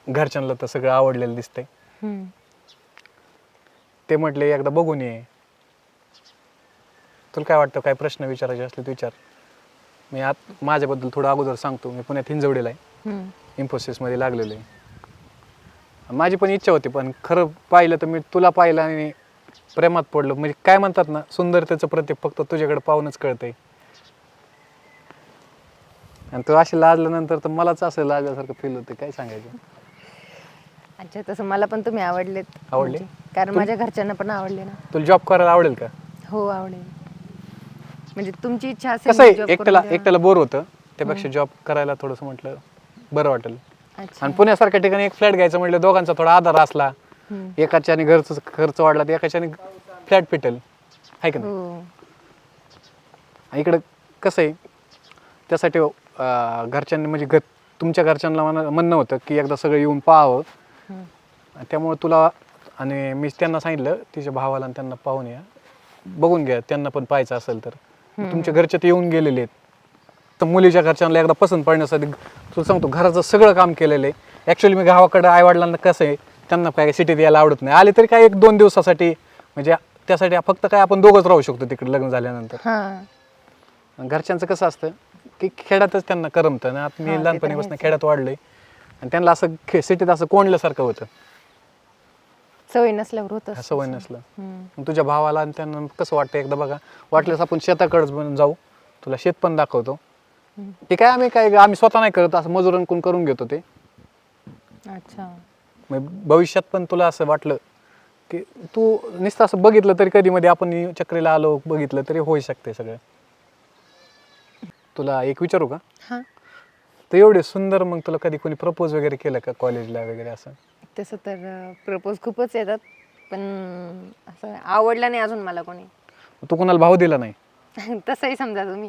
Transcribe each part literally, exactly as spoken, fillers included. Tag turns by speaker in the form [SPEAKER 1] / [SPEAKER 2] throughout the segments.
[SPEAKER 1] घरच्यांना तर सगळं आवडलेलं दिसतंय.
[SPEAKER 2] हम्म.
[SPEAKER 1] ते म्हटले एकदा बघून ये. तुला काय वाटतं, काय प्रश्न विचारायचे असले तर विचार. मी आत माझ्याबद्दल थोडं अगोदर सांगतो. मी पुण्यात हिंजवडीला आहे,
[SPEAKER 2] हम्म.
[SPEAKER 1] इन्फोसिसमध्ये लागलेलो आहे. माझी पण इच्छा होती, पण खरं पाहिलं तर मी तुला पाहिलं आणि प्रेमात पडलो. म्हणजे काय म्हणतात ना, सुंदरतेचं प्रतीक फक्त तुझ्याकडे पाहूनच कळतंय. आणि तू अशी लाजल्यानंतर तर मलाच असं लाजल्यासारखं फील होतं. काय सांगायचं.
[SPEAKER 2] अच्छा, तसं मला पण तुम्ही आवडलेत.
[SPEAKER 1] आवडले?
[SPEAKER 2] म्हणजे, कारण
[SPEAKER 1] तुम-
[SPEAKER 2] माझ्या घरच्यांना पण आवडले ना.
[SPEAKER 1] तुला जॉब करायला आवडेल का?
[SPEAKER 2] हो आवडेल. म्हणजे तुमची इच्छा असेल
[SPEAKER 1] कसं आहे,
[SPEAKER 2] job
[SPEAKER 1] एकट्याला
[SPEAKER 2] करून द्या.
[SPEAKER 1] एकट्याला बोर होतं, त्यापेक्षा जॉब करायला थोडंसं म्हटलं बरं वाटेल.
[SPEAKER 2] अच्छा.
[SPEAKER 1] आणि पुण्यासारख्या ठिकाणी एक फ्लॅट घ्यायचं म्हटलं दोघांचा थोडा आधार असला,
[SPEAKER 2] हम्म.
[SPEAKER 1] एकाच्याने घरचा खर्च वाढला तर एकाच्याने फ्लॅट पिटेल, आहे का नाही.
[SPEAKER 2] हो.
[SPEAKER 1] इकडं कसं आहे, त्यासाठी अं, घरच्यांनी म्हणजे घर तुमच्या घरच्यांना म्हणा म्हणणं होतं की एकदा सगळं येऊन पाहावं.
[SPEAKER 2] हम्म.
[SPEAKER 1] आणि त्यामुळे तुला, आणि मी त्यांना सांगितलं तिच्या भावाला आणि त्यांना पाहून या, बघून घ्या, त्यांना पण पाहायचं असेल तर. तुमच्या घरचे ते येऊन गेलेले आहेत. तर मुलीच्या घरच्यांना एकदा पसंत पडण्यासाठी तुला सांगतो घराचं सगळं काम केलेलं आहे. ॲक्च्युली मी गावाकडं आईवडिलांना कसं आहे, त्यांना काय सिटीत यायला आवडत नाही. आले तरी काय एक दोन दिवसासाठी, म्हणजे त्यासाठी फक्त काय आपण दोघंच राहू शकतो तिकडे लग्न झाल्यानंतर.
[SPEAKER 2] हां.
[SPEAKER 1] घरच्यांचं कसं असतं की खेड्यातच त्यांना करमतं ना. आता
[SPEAKER 2] हा, ते
[SPEAKER 1] मी
[SPEAKER 2] तर
[SPEAKER 1] लहानपणीपासून
[SPEAKER 2] आहेच.
[SPEAKER 1] खेड्यात वाढलोय आणि त्यांना असं खे सिटीत असं कोंडल्यासारखं होतं,
[SPEAKER 2] सवय नसल्यावर होत असतं.
[SPEAKER 1] सवय नसलं.
[SPEAKER 2] हम्म.
[SPEAKER 1] मग तुझ्या भावाला आणि त्यांना कसं वाटतं एकदा बघा, वाटल्यास आपण शेताकडेच बनून जाऊ, तुला शेत पण दाखवतो.
[SPEAKER 2] हम्म.
[SPEAKER 1] ते काय आम्ही काय आम्ही स्वतः नाही करत, असं मजुरांकडून करून घेतो ते.
[SPEAKER 2] अच्छा.
[SPEAKER 1] मग भविष्यात पण तुला असं वाटलं की तू नुसतं असं बघितलं तरी कधी मध्ये आपण चक्रीला आलो बघितलं तरी होऊ शकते सगळं. तुला एक विचारू का?
[SPEAKER 2] हां.
[SPEAKER 1] तर एवढे सुंदर, मग तुला कधी कोणी प्रपोज वगैरे केलं का कॉलेजला वगैरे असं?
[SPEAKER 2] तसं तर प्रपोज खूपच येतात, पण असं आवडलं नाही अजून मला कोणी.
[SPEAKER 1] तू कोणाला भाव दिला नाही?
[SPEAKER 2] तसंही समजा तुम्ही.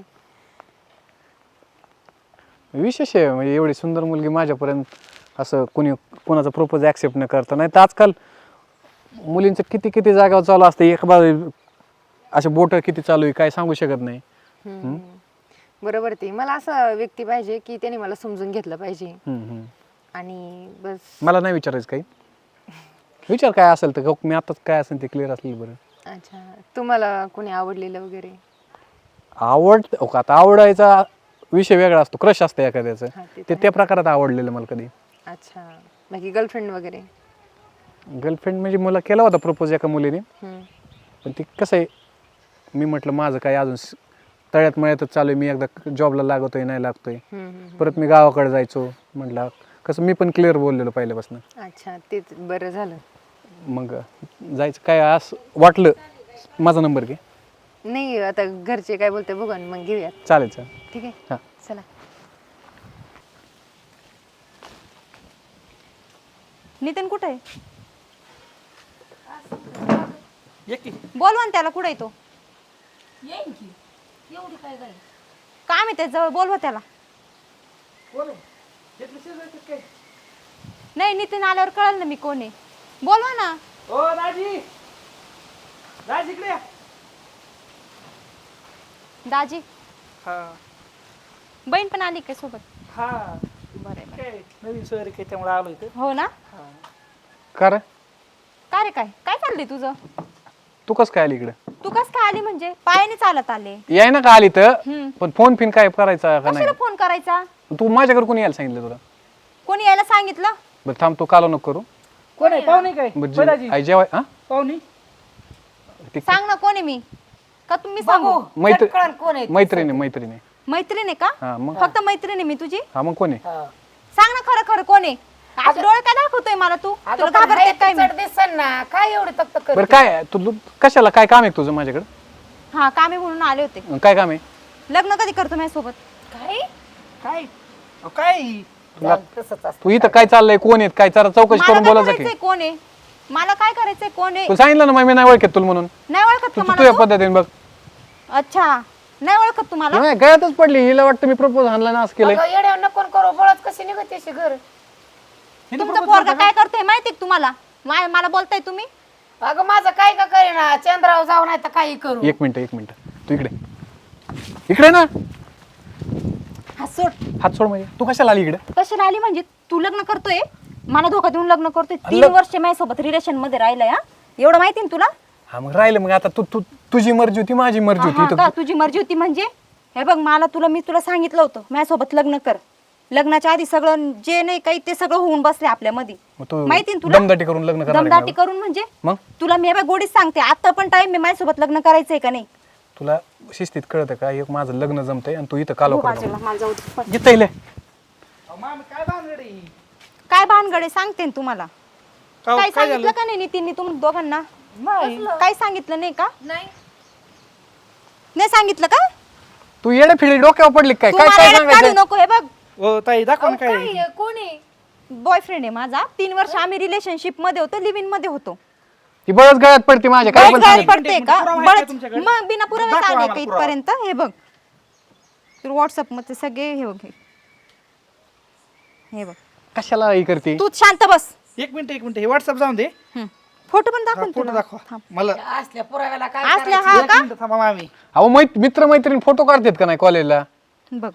[SPEAKER 1] विशेष आहे, म्हणजे एवढी सुंदर मुलगी माझ्यापर्यंत असं कोणी कोणाचा प्रपोज ॲक्सेप्ट न करता. नाही तर आजकाल मुलींचं किती किती जागावर चालू असतं, एक बाजू असे बोटं किती चालू आहे काय सांगू शकत नाही.
[SPEAKER 2] हम्म. बरोबर. ते मला असं व्यक्ती पाहिजे की त्याने मला समजून घेतलं पाहिजे
[SPEAKER 1] हम्म, हम्म.
[SPEAKER 2] आणि बस.
[SPEAKER 1] मला नाही विचारायचं काही, विचार काय असेल तर मी आताच काय असेल ते क्लिअर असलेलं बरं.
[SPEAKER 2] अच्छा, तुम्हाला कोणी आवडलेलं वगैरे?
[SPEAKER 1] आवड हो का, आता आवडायचा विषय वेगळा असतो, क्रश असतं एखाद्याचं,
[SPEAKER 2] हा, ते
[SPEAKER 1] ते
[SPEAKER 2] तर
[SPEAKER 1] त्या प्रकारात आवडलेलं मला कधी.
[SPEAKER 2] अच्छा, बाकी गर्लफ्रेंड वगैरे?
[SPEAKER 1] गर्लफ्रेंड म्हणजे मला केला होता प्रपोज एका मुलीने,
[SPEAKER 2] हम्म.
[SPEAKER 1] पण ते कसं आहे, मी म्हटलं माझं काय अजून स- तळ्यात मळ्यातच चालू आहे, मी एकदा जॉबला लागतोय नाही लागतोय,
[SPEAKER 2] हम्म, हम्म,
[SPEAKER 1] परत मी गावाकडे जायचो. म्हटलं कसं मी पण क्लिअर बोललेलो पहिल्यापासून,
[SPEAKER 2] हम्म. अच्छा, तेच बरं झालं.
[SPEAKER 1] मग जायचं काय असं वाटलं. माझा नंबर घे.
[SPEAKER 2] नाही, आता घरचे काय बोलते बघा ना, मग घेऊयात.
[SPEAKER 1] चालेल चालेल.
[SPEAKER 2] ठीक आहे,
[SPEAKER 1] हां.
[SPEAKER 2] चला.
[SPEAKER 3] नितीन कुठे आहे? बोलवा ना त्याला, कुठे येतो?
[SPEAKER 4] येईन की एवढी काय गाय
[SPEAKER 3] काम आहे त्याच्याजवळ, बोलवा त्याला. नाही, नितीन आल्यावर कळलं ना मी कोण आहे. बोलवा ना.
[SPEAKER 5] ओ राजी, राज इकडे या.
[SPEAKER 3] दाजी,
[SPEAKER 5] हा
[SPEAKER 3] बहीण पण आली काय सोबत?
[SPEAKER 5] हा
[SPEAKER 3] बरं आहे, बरं आहे.
[SPEAKER 5] काय नवीन सोयरी काय त्यामुळे आलो इथं.
[SPEAKER 3] हो ना.
[SPEAKER 1] का रे,
[SPEAKER 3] का रे, काय काय चाललंय तुझं?
[SPEAKER 1] तू कसं काय आली इकडे?
[SPEAKER 3] तू कस काय आली? म्हणजे पायाने चालत आले?
[SPEAKER 1] याय ना का आली तर,
[SPEAKER 3] हम्म.
[SPEAKER 1] पण फोन फिन काय करायचा का नाही?
[SPEAKER 3] कशाला फोन करायचा?
[SPEAKER 1] तू माझ्याकडे कोणी यायला सांगितलं तुला?
[SPEAKER 3] कोणी यायला सांगितलं?
[SPEAKER 1] बरं थांब, तू कालो नको करू.
[SPEAKER 5] कोण आहे पाहुणे काय?
[SPEAKER 1] म्हणजे
[SPEAKER 5] होय राजी
[SPEAKER 1] आई जेवाय हा
[SPEAKER 5] पाहुणे
[SPEAKER 1] ते
[SPEAKER 3] सांग ना कोण आहे मी, का तुम्ही सांगू?
[SPEAKER 1] मैत्री
[SPEAKER 4] कळण कोण आहे?
[SPEAKER 1] मैत्रिणी मैत्रिणी
[SPEAKER 3] मैत्रीण आहे का?
[SPEAKER 1] हा मग
[SPEAKER 3] फक्त मैत्रीण आहे मी तुझी?
[SPEAKER 1] हा मग कोण आहे?
[SPEAKER 5] हा
[SPEAKER 3] सांग ना खरं खरं कोण आहे. आज डोळे काय दाखवतोय मला तू? तुला घाबरते काय मी?
[SPEAKER 4] दिसन ना काय एवढे तक्त कर.
[SPEAKER 1] बरं काय आहे? तू तू कशाला, काय काम आहे तुझं माझ्याकडे?
[SPEAKER 3] हा, कामे म्हणून आले होते.
[SPEAKER 1] काय काम आहे?
[SPEAKER 3] लग्न कधी करतो माझ्या सोबत?
[SPEAKER 4] काय
[SPEAKER 5] काय अहो, काय
[SPEAKER 1] तुला
[SPEAKER 4] तसंच असतं.
[SPEAKER 1] तू इथं काय चाललंय, कोण आहेत काय, जरा चौकशी
[SPEAKER 3] मला
[SPEAKER 1] करून
[SPEAKER 3] काय
[SPEAKER 1] बोलायचं की.
[SPEAKER 3] करायचंय कोण आहे? मला काय करायचंय कोण आहे?
[SPEAKER 1] तू सांगितलं ना मग मी नाही ओळखत तुला म्हणून.
[SPEAKER 3] नाही ओळखत
[SPEAKER 1] तू
[SPEAKER 3] का
[SPEAKER 1] तू
[SPEAKER 3] मला
[SPEAKER 1] तुझ्या
[SPEAKER 3] तू?
[SPEAKER 1] पद्धतीने बघ.
[SPEAKER 3] अच्छा, नाही ओळखत तुम्हाला?
[SPEAKER 1] नाही गळ्यातच पडली, हिला वाटतं मी प्रपोज आणला ना असं केलंय.
[SPEAKER 4] अगं, येड्यावर नको करू, बळच कशी निघते अशी घर.
[SPEAKER 3] तुमचा पोरगा काय करतोय माहितीये का तुम्हाला? मा- मला बोलताय तुम्ही?
[SPEAKER 4] अगं माझं काय का करेना, चंद्रावर जाऊ नाही तर काही करू.
[SPEAKER 1] एक मिनिट एक मिनिट, तू इकडे इकडे ना.
[SPEAKER 3] हा, सोड.
[SPEAKER 1] हात सोड. म्हणजे तू कशाला आली इकडे?
[SPEAKER 3] कशाला आली म्हणजे? तू लग्न करतोय? मला धोका देऊन लग्न करतोय तीन वर्ष माझ्यासोबत रिलेशन मध्ये राहिलंय हा एवढं माहिती ना तुला
[SPEAKER 1] हा मग राहिलं मग आता तू तू तुझी मर्जी होती माझी मर्जी
[SPEAKER 3] हा
[SPEAKER 1] होती
[SPEAKER 3] का
[SPEAKER 1] तर
[SPEAKER 3] तुझी मर्जी होती म्हणजे हे बघ मला तुला मी तुला सांगितलं होतं माझ्यासोबत लग्न कर लग्नाच्या आधी सगळं जे नाही काही ते सगळं होऊन बसले आपल्या मध्ये
[SPEAKER 1] मग तू
[SPEAKER 3] माहिती ना तुला
[SPEAKER 1] दमदाटी करून लग्न करणार आहे
[SPEAKER 3] दमदाटी
[SPEAKER 1] का?
[SPEAKER 3] करून म्हणजे
[SPEAKER 1] मग
[SPEAKER 3] तुला मी हे बघ गोडीच सांगते आता पण टाइम मी माझ्यासोबत लग्न करायचंय का नाही
[SPEAKER 1] तुला शिस्तीत कळतं का एक माझं लग्न जमतंय आणि तू इथं कालो
[SPEAKER 3] हो,
[SPEAKER 1] करतो
[SPEAKER 3] बाजूला, मला जाऊ दे. पण
[SPEAKER 1] इथं इले
[SPEAKER 5] अहो, मामी काय भानगड आहे?
[SPEAKER 3] काय भानगडे सांगते ना तुम्हाला
[SPEAKER 5] काहो,
[SPEAKER 3] काय
[SPEAKER 5] काय
[SPEAKER 3] सांगितलं का नाही नितीनने तुम दोघांना काय सांगितलं नाही का
[SPEAKER 2] नाही
[SPEAKER 3] नाही सांगितलं का
[SPEAKER 1] तू येडे फिडे डोक्यावर पडली काय
[SPEAKER 3] तू
[SPEAKER 1] काय
[SPEAKER 3] मला
[SPEAKER 1] काय
[SPEAKER 3] येड्यात काढू
[SPEAKER 1] सांगायचं
[SPEAKER 3] नको हे बघ
[SPEAKER 5] हो ताई दाखवा ना काय आहे.
[SPEAKER 2] काय कोण आहे
[SPEAKER 3] बॉयफ्रेंड आहे माझा तीन वर्ष आम्ही रिलेशनशिप मध्ये होतो लिव्ह इन मध्ये होतो
[SPEAKER 1] ती बळच गळ्यात पडते माझ्या काय पण
[SPEAKER 3] बळच
[SPEAKER 1] सांगितलं.
[SPEAKER 3] पडते का
[SPEAKER 5] पुरावा आहे का
[SPEAKER 3] बळच
[SPEAKER 5] तुमच्याकडे?
[SPEAKER 3] मग बिना पुराव्याच
[SPEAKER 5] दाखवा
[SPEAKER 3] आले
[SPEAKER 5] आम्हाला
[SPEAKER 3] का
[SPEAKER 5] पुरावा.
[SPEAKER 3] इथपर्यंत हे बघ तू व्हॉट्सअप मध्ये सगळे हे बघ हे बघ
[SPEAKER 1] कशाला ही करते
[SPEAKER 3] तू शांत बस
[SPEAKER 5] एक मिनिट एक मिनिट हे व्हॉट्सअप जाऊन दे
[SPEAKER 3] फोटो पण दाखव ना
[SPEAKER 5] फोटो
[SPEAKER 3] तुला.
[SPEAKER 5] दाखवा मला
[SPEAKER 4] असल्या पुराव्याला काय
[SPEAKER 3] असल्या हा
[SPEAKER 5] एक
[SPEAKER 3] का
[SPEAKER 5] मिनिट थांबा मामी
[SPEAKER 1] अहो मैत मित्र मैत्रीण फोटो काढतात का नाही कॉलेजला
[SPEAKER 3] बघ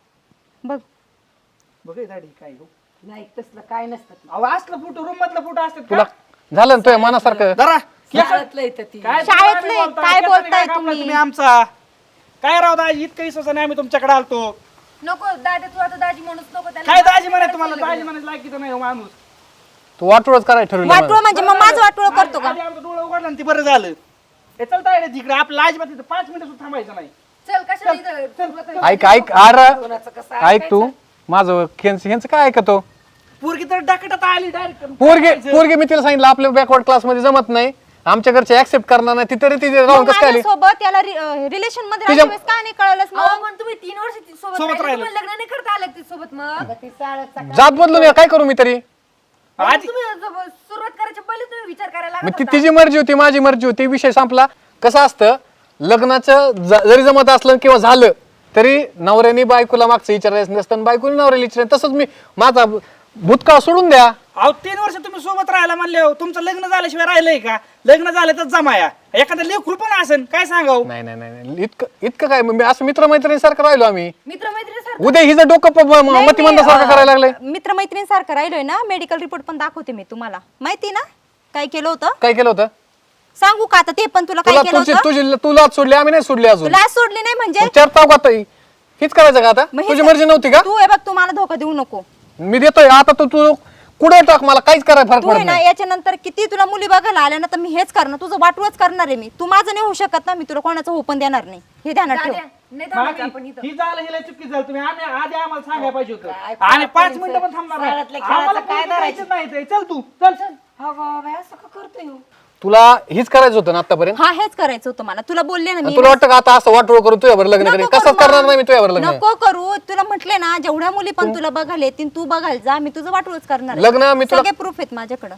[SPEAKER 3] बघ
[SPEAKER 5] बघ हे दाढी काय हो.
[SPEAKER 4] नाही तसलं काय नसतं ते.
[SPEAKER 5] अहो असलं फोटो रूम मधला फोटो असतात
[SPEAKER 1] तुला
[SPEAKER 5] का
[SPEAKER 1] झालं ना तुझ्या मनासारखं
[SPEAKER 5] जरा
[SPEAKER 4] शाळेतलं येतं ती
[SPEAKER 5] काय
[SPEAKER 3] शाळेतले,
[SPEAKER 5] तुम्ही बोलताय?
[SPEAKER 3] काय
[SPEAKER 5] केसाने
[SPEAKER 3] बोलताय
[SPEAKER 5] कापला
[SPEAKER 3] तुम्ही?
[SPEAKER 5] तुम्ही आमचा काय राव दाजी इतकं विश्वास नाही आम्ही तुमच्याकडे आलतो
[SPEAKER 2] नको दादा तू आता दाजी म्हणूच नको त्याला
[SPEAKER 5] काय दाजी म्हणाय तुम्हाला दाजी म्हणायचं लायकीचं नाही हो माणूस
[SPEAKER 1] तू वाटोळच करायला ठरवलं
[SPEAKER 3] वाटोळ
[SPEAKER 1] मला.
[SPEAKER 3] म्हणजे मग माझं वाटोळ करतो का
[SPEAKER 5] आधी आमचं डोळं उघडलं आणि ते बरं झालं हे चलता येईल तिकडे आपलं अजिबात इथं पाच मिनिटं सुद्धा थांबायचं नाही
[SPEAKER 2] चल कशाला इथं
[SPEAKER 1] ऐक ऐक अरे
[SPEAKER 4] कोणाचं कसं
[SPEAKER 1] ऐक तू माझं ह्यांच ह्यांचं काय ऐकतो
[SPEAKER 5] पोरगी तर डाकटात आली डायरेक्ट
[SPEAKER 1] पोरगे पोरगे मी तिला सांगितलं आपल्या बॅकवर्ड क्लास मध्ये जमत नाही आमच्या घरचे ऍक्सेप्ट करणार नाही ती तरी तिथे राहून कसं काय आली?
[SPEAKER 3] सोबत याला रिलेशन मध्ये
[SPEAKER 1] तुझ्या-
[SPEAKER 3] राहिल्यावेळेस का नाही कळलंच
[SPEAKER 2] अहो
[SPEAKER 3] मग
[SPEAKER 2] पण तुम्ही तीन वर्ष ती सोबत
[SPEAKER 5] सोबत
[SPEAKER 2] राहिले,
[SPEAKER 5] राहिलो.
[SPEAKER 2] तुम्हाला लग्न नाही करता आलं ती सोबत मग
[SPEAKER 4] ती शाळेचा
[SPEAKER 1] जात बदलून ये, काय करू मी तरी
[SPEAKER 5] आधी
[SPEAKER 2] तुम्ही जब- सुरुवात करायच्या पहिले तुम्ही विचार करायला
[SPEAKER 1] मग
[SPEAKER 2] लागत
[SPEAKER 1] ती
[SPEAKER 2] होता.
[SPEAKER 1] तिची मर्जी होती माझी मर्जी होती विषय संपला कसं असतं लग्नाचं ज- जरी जमत असलं किंवा झालं तरी नवऱ्याने बायकोला मागचं विचारायचं नसतं आणि बायकोने नवऱ्याला विचारायचं तसंच मी माझा भूतकाळ सोडून द्या
[SPEAKER 5] अहो तीन वर्ष तुम्ही सोबत राहायला म्हणले हो तुमचं लग्न झाल्याशिवाय राहिलंय का लग्न झालं तर जमाया एखादं लेखूल पण असेल काय सांगाव
[SPEAKER 1] नाही नाही नाही नाही. इतकं इतकं काय मी असं मित्रमैत्रिणीसारखं राहिलो आम्ही
[SPEAKER 2] मित्रमैत्रिणी
[SPEAKER 1] उद्या हिचं डोकं प- म- मतिमंदासारखं करायला लागलंय
[SPEAKER 3] मित्रमैत्रिणीसारखं राहिलोय ना मेडिकल रिपोर्ट पण दाखवते मी तुम्हाला माहिती ना काय केलं होतं
[SPEAKER 1] काय केलं होतं
[SPEAKER 3] सांगू का आता ते पण तुला काय
[SPEAKER 1] तुला
[SPEAKER 3] केलं
[SPEAKER 1] तुझी
[SPEAKER 3] होतं
[SPEAKER 1] तुझी तुला सोडली आम्ही नाही सोडली अजून
[SPEAKER 3] तुला सोडली नाही म्हणजे
[SPEAKER 1] मग चार ताव आता हीच करायचं का आता
[SPEAKER 3] मग हे
[SPEAKER 1] तुझी
[SPEAKER 3] स-
[SPEAKER 1] मर्जी नव्हती का
[SPEAKER 3] तू हे बघ तू मला धोका देऊ नको
[SPEAKER 1] मी देतोय आता तू तू कुठे टाक मला काहीच करायला फरक
[SPEAKER 3] तू आहे
[SPEAKER 1] पडत
[SPEAKER 3] ना
[SPEAKER 1] नाही
[SPEAKER 3] याच्यानंतर किती तुला मुली बघायला आल्या ना तर मी हेच करणार तुझं वाटूच करणार आहे मी तू माझं नाही होऊ शकत ना मी तुला कोणाचं हो पण देणार नाही हे ध्यानात ठेव
[SPEAKER 2] दाद्या, नाही थांबायचं आपण इथं
[SPEAKER 5] ही झालं हिला चुकी झालं तुम्ही आम्ही आधी आम्हाला सांगायला पाहिजे
[SPEAKER 4] काय
[SPEAKER 5] होतं आणि पाच
[SPEAKER 4] पोरींचं
[SPEAKER 5] मिनिटं पण थांबणार नाही.
[SPEAKER 4] शाळेतल्या खेळाचं
[SPEAKER 5] आम्हाला
[SPEAKER 4] काय
[SPEAKER 5] पोरगी
[SPEAKER 4] धरायचं?
[SPEAKER 5] द्यायचीच नाही ते. चल तू चल चल
[SPEAKER 4] हो बाबा असं का करतोय हो?
[SPEAKER 1] तुला हीच करायचं होतं ना आतापर्यंत
[SPEAKER 3] हा हेच करायचं होतं मला तुला बोलले ना
[SPEAKER 1] आणि
[SPEAKER 3] मी
[SPEAKER 1] तुला वाटतं का आता असं वाटोळ करून तुझ्यावर लग्न करेन
[SPEAKER 3] नको
[SPEAKER 1] कसंच
[SPEAKER 3] करू
[SPEAKER 1] करणार
[SPEAKER 3] मग.
[SPEAKER 1] नाही मी तुझ्यावर लग्न
[SPEAKER 3] नको करू तुला म्हटले ना जेवढ्या मुली पण तुला बघायला येतील तू बघायला जा मी तुझं वाटूच करणार आहे.
[SPEAKER 1] लग्न मी तुला-
[SPEAKER 3] सगळे प्रूफ आहेत माझ्याकडे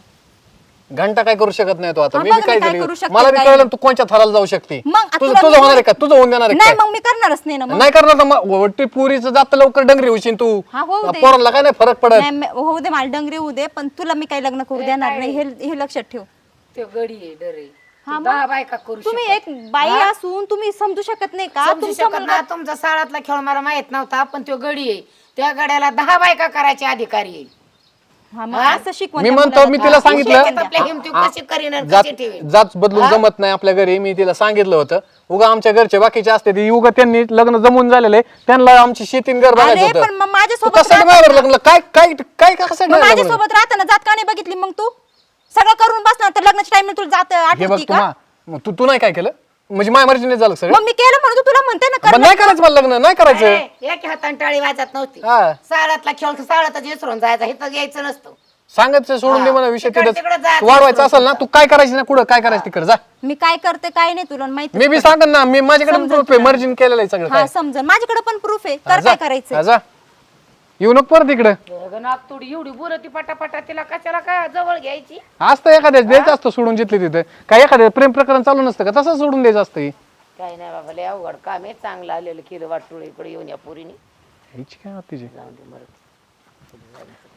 [SPEAKER 1] घंटा काय करू शकत नाही तो आता
[SPEAKER 3] हा,
[SPEAKER 1] मी
[SPEAKER 3] बघ
[SPEAKER 1] बी
[SPEAKER 3] मी
[SPEAKER 1] काय
[SPEAKER 3] काय
[SPEAKER 1] झाली
[SPEAKER 3] करू शकते,
[SPEAKER 1] मला बी
[SPEAKER 3] काय
[SPEAKER 1] कळलं
[SPEAKER 3] नाही.
[SPEAKER 1] तू कोणच्या थराला जाऊ शकते
[SPEAKER 3] मग आता
[SPEAKER 1] तुझं
[SPEAKER 3] तुला
[SPEAKER 1] तुझं
[SPEAKER 3] मी-
[SPEAKER 1] होणार आहे का तुझं होऊन देणार आहे
[SPEAKER 3] नाही
[SPEAKER 1] काय
[SPEAKER 3] मग मी करणारच नाही ना मग
[SPEAKER 1] नाही करणार तर मग वट्टी पुरीचं जात लवकर डंगरी होशील तू
[SPEAKER 3] हा, होऊ दे.
[SPEAKER 1] पोरांना काय नाही फरक पडत
[SPEAKER 3] नाही, मी- होऊ दे मला डंगरे होऊ दे पण तुला मी काही लग्न करू देणार नाही हे हे लक्षात ठेव
[SPEAKER 4] ते गडी आहे डरे
[SPEAKER 3] हा, मग?
[SPEAKER 4] दहा बायका करू
[SPEAKER 3] तुम्ही
[SPEAKER 4] शकत.
[SPEAKER 3] एक बाई असून तुम्ही समजू शकत नाही का
[SPEAKER 4] समजू
[SPEAKER 3] तुमचा
[SPEAKER 4] शकत
[SPEAKER 3] मुलगा
[SPEAKER 4] ना तुमचा शाळातला खेळ मला माहित नव्हता पण तो गडी आहे त्या गड्याला दहा बायका करायचे अधिकारी आहे
[SPEAKER 3] हा, मग
[SPEAKER 4] हा?
[SPEAKER 3] असं शिकवण
[SPEAKER 1] मी
[SPEAKER 3] त्या
[SPEAKER 1] म्हणतो
[SPEAKER 3] मुलाला
[SPEAKER 1] मी
[SPEAKER 3] का?
[SPEAKER 1] तिला
[SPEAKER 4] शेतीत
[SPEAKER 1] सांगितलं
[SPEAKER 4] आपल्या हिमती कशी करीन आणि
[SPEAKER 1] जात
[SPEAKER 4] कशी ठेवीन
[SPEAKER 1] जात बदलून जमत नाही आपल्या घरी मी तिला सांगितलं होतं उगा आमच्या घरचे बाकीचे असते ते उगा त्यांनी लग्न जमून झालेले त्यांना आमची शेतीन घर
[SPEAKER 3] अरे
[SPEAKER 1] बघायचं
[SPEAKER 3] पण मग
[SPEAKER 1] होतं
[SPEAKER 3] माझ्यासोबत
[SPEAKER 1] तू कशासाठी माझ्यावर लग्न काय काय काय कशासाठी
[SPEAKER 3] मग
[SPEAKER 1] माझ्यावर लग्न?
[SPEAKER 3] माझ्यासोबत राहताना जात का नाही बघितली मग तू सगळं करून बसणार तर लग्नाच्या टाइम तुला जात
[SPEAKER 1] हे बघ
[SPEAKER 3] आठवती
[SPEAKER 1] तू
[SPEAKER 3] का
[SPEAKER 1] मा- मग तू तू नाही काय केलं म्हणजे माझ्या मर्जीने झालं सगळं
[SPEAKER 3] मग मी केलं म्हणून तू तुला म्हणते ना
[SPEAKER 1] पण
[SPEAKER 3] कर
[SPEAKER 1] नाही करायचं मला लग्न नाही करायचं
[SPEAKER 4] अरे, एक हाताने टाळी वाजत नव्हती
[SPEAKER 1] हा.
[SPEAKER 4] शाळातला खेळ शाळातच विसरून जायचा इथं यायचं नसतं
[SPEAKER 1] सांगायचं सोडून दे मला विषय
[SPEAKER 4] तिकडं-
[SPEAKER 1] तिथं
[SPEAKER 4] तिकडं जायचं.
[SPEAKER 1] वाढवायचं असेल ना तू काय करायचं ना कुठं काय करायचं तिकडे जा
[SPEAKER 3] मी काय करते काय नाही तुला माहिती
[SPEAKER 1] मी बी सांगन ना मी माझ्याकडे प्रूफ आहे मर्जीन केलेलं आहे सगळं
[SPEAKER 3] हा
[SPEAKER 1] काय
[SPEAKER 3] समजन माझ्याकडे पण प्रूफ आहे
[SPEAKER 1] हा,
[SPEAKER 3] कर
[SPEAKER 1] जा.
[SPEAKER 3] काय करायचं
[SPEAKER 1] हा, जा येऊ नको परत इकडं
[SPEAKER 4] नागतोडी एवढी बोलती पटापटा तिला कशाला काय जवळ घ्यायची
[SPEAKER 1] असतं एखाद्या द्यायचं असतं सोडून जिथले तिथे काय एखाद्या प्रेम प्रकरण चालू नसतं का तसं सोडून द्यायचं असतं हे.
[SPEAKER 4] काय नाही बाबा लय अवघड काम आहे चांगलं आलेलं केलं वाटोळ इकडे येऊन या पुरीने
[SPEAKER 1] ह्याची काय होती जी?
[SPEAKER 4] जाऊन दे मरत